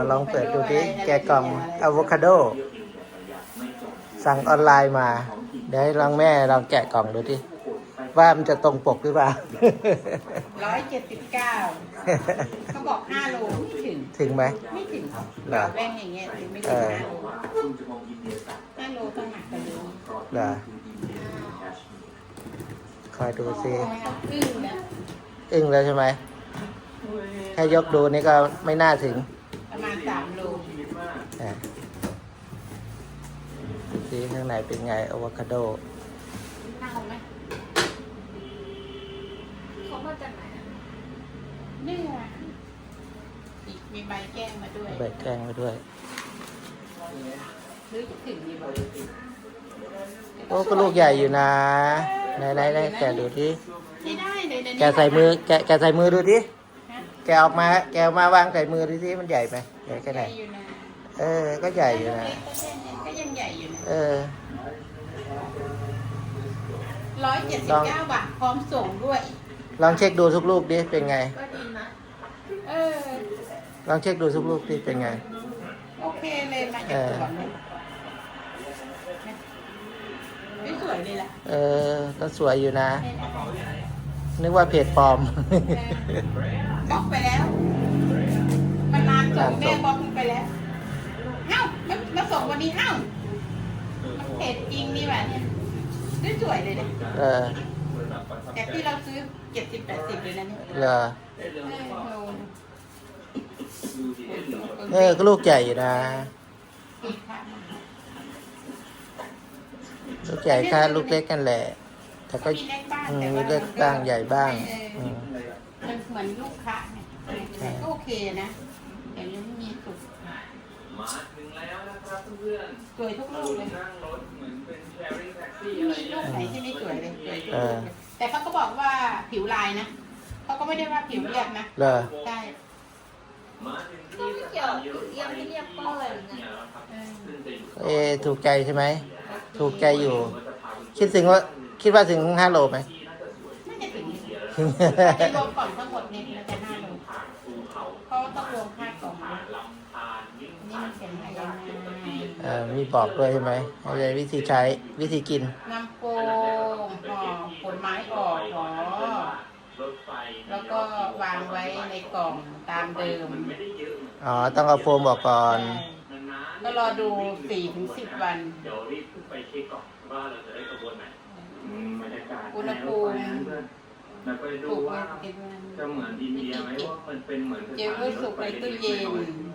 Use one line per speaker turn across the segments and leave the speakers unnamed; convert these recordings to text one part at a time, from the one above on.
ลองเปิดดูดิแกะกล่องอะโวคาโดสั่งออนไลน์มาเดี๋ยวให้ลองแม่ลองแกะกล่องดูดิว่ามันจะตรงปกหรือเปล่า
179เขาบอก5 โลไม่ถึง
ถึงไหม
ไม่ถึง
เหรอ
แป้งอย่างเงี้ยถึงไม่ถึง5 โลต้องหนักกว่านี้
เหรอคอยดูสิ
อึ้งนะ
อึ้งแล้วใช่ไหมแค่ยกดูนี่ก็ไม่น่าถึง
ประมาณ3 โล
อ่ะดูสิข้างในเป็นไงอะโวคาโด
เน่าไหม
เขามาจากไหนอะ
นี่ไงอีกมีใบแกล้งมาด้วย
ใบแกล้งมาด้วย
หรือถึงมีใบ
โอ้ก็ลูกใหญ่อยู่นะไหนแกะดูดิ
ไม่ได้เลยนะ
แกะใส่มือแกะใส่มือดูดิแกะออกมาแกะออกมาวางใส่มือดูสิมันใหญ่ไหมใหญ่แค่ไหน
อยู่นะ
ก็ใหญ่อยู่นะ
ก็ยังใหญ่อยู่นะ 179 บาทพร้อมส่งด้วย
ลองเช็คดูทุกลูกดิเป็นไง
ก็ดีนะ
เออ
ลองเช็คดูทุกลูกดิเป็นไง
โอเคเลยมาจากสวนเลยไม่สวยเลยล่ะ
ก็สวยอยู่นะ นึกว่าเพจปลอม
บล็อกไปแล้ว มันนานส่งแม่บล็อกมันไปแล้วเอ้ามันมาส่งวันนี้เอ้ามันเพจจริงนี่หว่าเนี่ยสวยเลยเนี่ย จากที่เราซื้อ70-80เลยนะเนี่ย
เหรอ
โล
ก็ลูกใหญ่อยู่นะ
อีกค่ะ
ลูกใหญ่ค่ะลูกเล็กกันแหละ แต่ก็
มีเล็กบ้าง
มีเล็กบ้างใหญ่บ้างอืม
มันเหมือนลูกค้าเนี่ยแต่ก็โอเคนะแต่ยังไม่มีสุก
มาถึงแล้วนะครับเพื่อน
สวยทุกลูกเลย
นั่งรถเหมือนเป็นแชร์ริ่งแท็กซี่
ไม่
อะไร
มีลูกไหนที่ไม่สวยเลยสวยทุก
เอ
ลู
อก
เลยแต่เขาก็บอกว่าผิวลายนะเขาก็ไม่ได้ว่าผิวเรียบนะ
เหรอ
ใช่
มาถึง
ก็ไม่เกี่ยวยังไม่เรียกป้อยหรือไง
เออ
ซึ่งจะอยู่
ถูกใจใช่ไหม ถูกใจอยู่ คิดว่าถึง5 โลไหม
น่าจะถึงจะรวมก่อนทั้งหมดเนี่ยมันจะ5 โลเพราะว่าต้องรวมค่ากล่องด้วย
ลำธารยิ่ง
นี่มันเป็นอะไรนะ
มีบอกด้วยใช่ไหมอะไรวิธีใช้วิธีกิน
น้ำโป่งห่อผลไม้ออกห่อ
รถไฟ
แล้วก็วางไว้ในกล่องตามเดิม
ไม่ได้เยอะ
อ๋อ ต้องเอาโฟมบอกก่อน
นาน
ก็รอดู 4-10 วัน
ๆเดี๋ยวรีบขึ้นไปเช็คก่อนว่าเราจะได้กระบวนไหนบรรยากาศ
อุณหภูมิ
เราไปดู
ถูกไว้
ว่า
เก็บไว้
จะเหมือนอินเดียไหมว่ามันเป็นเหมือน
เก็บไว้สุกในตู้เย็น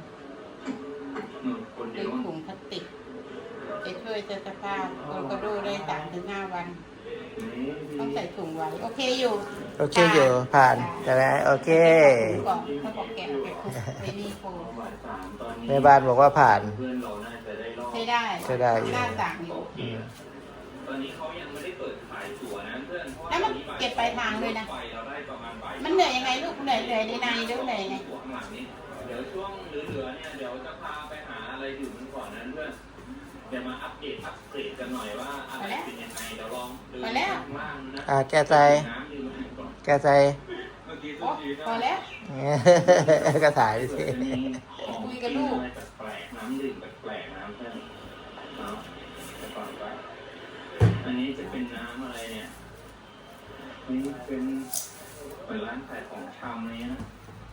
คน
ห
เดี
รื
ย
อ
ว
ถุงพลาสติกจะช่วยเจอสภาพโกลโกโดได้3-5 วัน ต้องใส่ถุงไว้ โอเคอยู่
โอเคอยู่ผ่านใช่ไหมโอเค
ก่อนเขาบอกแกะคุกไอ้นี่โฟม
แม่บ้านบอกว่าผ่าน
เพื่อนเราน่าจะได้รอบ
ใช้ได้
ใช้ได้อยู่
หน้าต่างอยู่
อืม
ตอนนี้เขายังไม่ได้เปิดขายตั๋วนะเพื่อน
แล้วมันเก็บปลายทางด้วยนะ
ไปเราได้ประมาณบ่าย
มันเหนื่อยยังไงลูกเหนื่อยในในหรือเหนื่อยยังไง
ตั๋วข้างหลังนี้เดี๋ยวช่วงเหลือๆเนี่ยเดี๋ยวจะพาไปหาอะไรดื่มกันก่อนนะเพื่อนเดี๋ยวมาอัปเดตอัปเกรดกันหน่อยว่าอะไรเป็นยังไงเดี๋ยวลองดูข้างล่างนะ
แกใจ
น้ำดื่มก่อน
แกใจ
เมื่อกี้
โอ้พอแล้ว
ก็ถ่ายไปสิ
คุยกับลูก
แปลกๆน้ำดื่มแปลกๆน้ำเพื่อนเนาะไปก่อนไปอันนี้จะเป็นน้ำอะไรเนี่ยนี่เป็นร้านขายของชำเลยนะ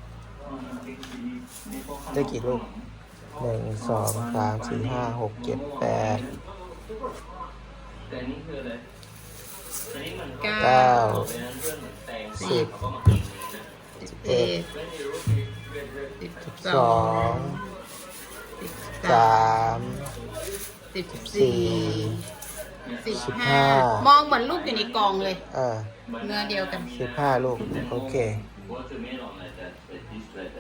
ได้กี่ลูก1 2 3 4 5 6 7 8
แต่นี่คืออะไรอันนี้มัน
เก้า
เป็นเพื่อนเหมือนแตง
สิบ
เขาก็มากินเลยนะ
11
ไม่มีรูปมีเวท
12 3 4
15 มองเหมือนลูกอยู่ในกองเลย
เออ
เนื้อเดียวกัน
15 ลูก โอเค
Watermelon like that, but this like